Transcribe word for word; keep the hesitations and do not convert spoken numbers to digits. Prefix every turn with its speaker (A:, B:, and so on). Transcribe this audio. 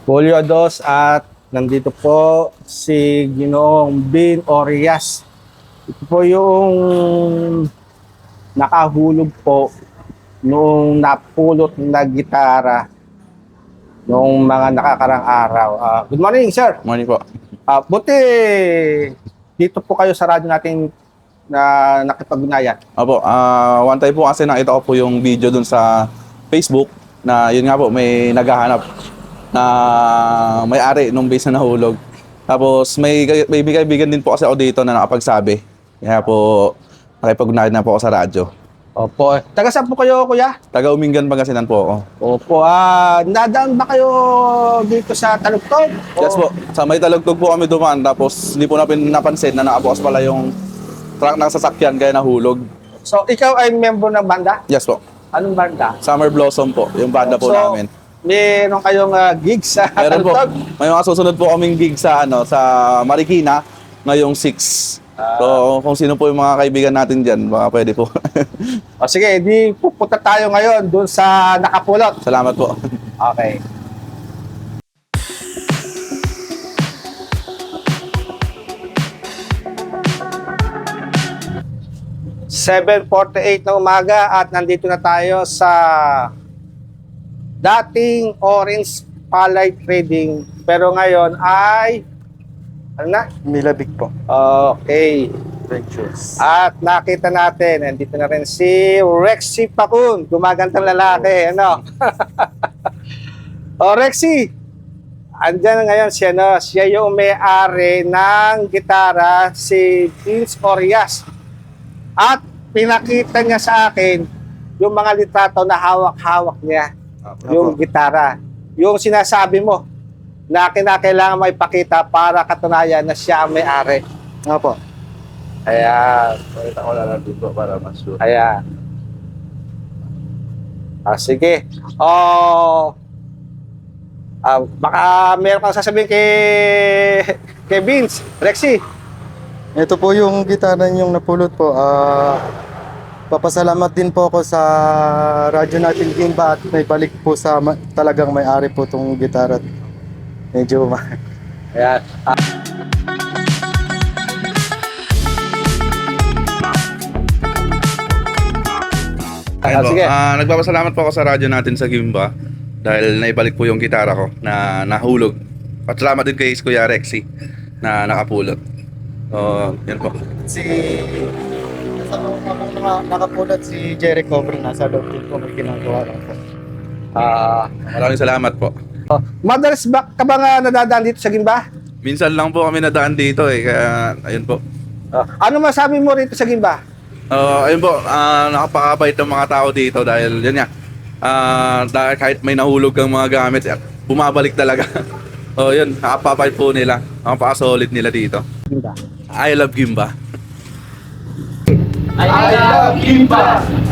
A: Julio Dos at nandito po si Ginoong Bin Orias. Ito po yung nakahulog po nung napulot na gitara noong mga nakakarang araw. Uh, good morning, sir.
B: Morning po.
A: Uh, buti dito po kayo sa radyo natin na nakipag-ugnayan.
B: Opo, ah one time po kasi nakita ko po yung video dun sa Facebook na yun nga po, may naghahanap na may-ari nung base na nahulog. Tapos may, may kaibigan din po kasi ako dito na nakapagsabi. Kaya po, nakipag-ugnayan na po ako sa radyo.
A: Opo. Taga saan po kayo, kuya?
B: Taga Umingan, Pangasinan po ako.
A: Opo. Ah, nadaan ba kayo dito sa Talugtog?
B: Yes po, sa may Talugtog po kami dumaan. Tapos hindi po natin napansin na nakabukas pala yung truck ng sasakyan kaya nahulog.
A: So, ikaw ay member ng banda?
B: Yes po.
A: Anong banda?
B: Summer Blossom po, yung banda po
A: So,
B: namin.
A: meron kayong uh, gig sa
B: Meron po.
A: Talugtog?
B: May mga susunod po kaming gig sa ano sa Marikina ngayong six. So, kung sino po yung mga kaibigan natin diyan, baka pwede po.
A: O sige, di pupunta tayo ngayon doon sa Nakapulot.
B: Salamat po.
A: Okay. seven forty-eight na umaga at nandito na tayo sa dating Orange Palay Trading pero ngayon ay ano na?
C: Milabig po.
A: Okay.
C: Ventures.
A: At nakita natin, nandito na rin si Rexy Pacun, gumagantang lalaki, ano? O Rexy, andyan ngayon siya, no? Siya yung may-ari ng gitara, si Vince Orias. At pinakita niya sa akin yung mga litrato na hawak-hawak niya, yung gitara. Yung sinasabi mo, na kinakailangan may pakita para katunayan na siya ang may-ari.
C: Opo.
A: Ayan.
B: Pakita ko lang dito para mas sure.
A: Ayan. Ah, sige. Oh, ah, baka meron kang sasabihin kay, kay Vince. Rexy.
C: Ito po yung gitara yung napulot po. Ah, papasalamat din po ako sa radyo natin Gimba at may balik po sa ma- talagang may-ari po itong gitara. Medyo ma...
A: Ayan. Ah.
B: Ayun po.
A: sige.
B: Ah, nagpapasalamat po ako sa radyo natin sa Gimba dahil naibalik po yung gitara ko na nahulog. At salamat din kay Kuya Rexy na nakapulot. So, yun po.
C: Si... Kasama ko mga nakapulot si Jerry Cover nasa loob din po may ginagawa lang po.
A: Ah,
B: Maraming salamat po.
A: oh. Madalas ba ka ba nga nadadaan dito sa Gimba?
B: Minsan lang po kami nadaan dito eh, kaya ayun po.
A: Ah, ano masabi mo rito sa Gimba?
B: Uh, ayun po, uh, nakapakabait ng mga tao dito dahil yun nga, uh, dahil kahit may nahulog kang mga gamit, eh, bumabalik talaga. So yun, nakapapait po nila, nakapaka-solid nila dito.
A: Gimba.
B: I love Gimba.
A: I love Gimba!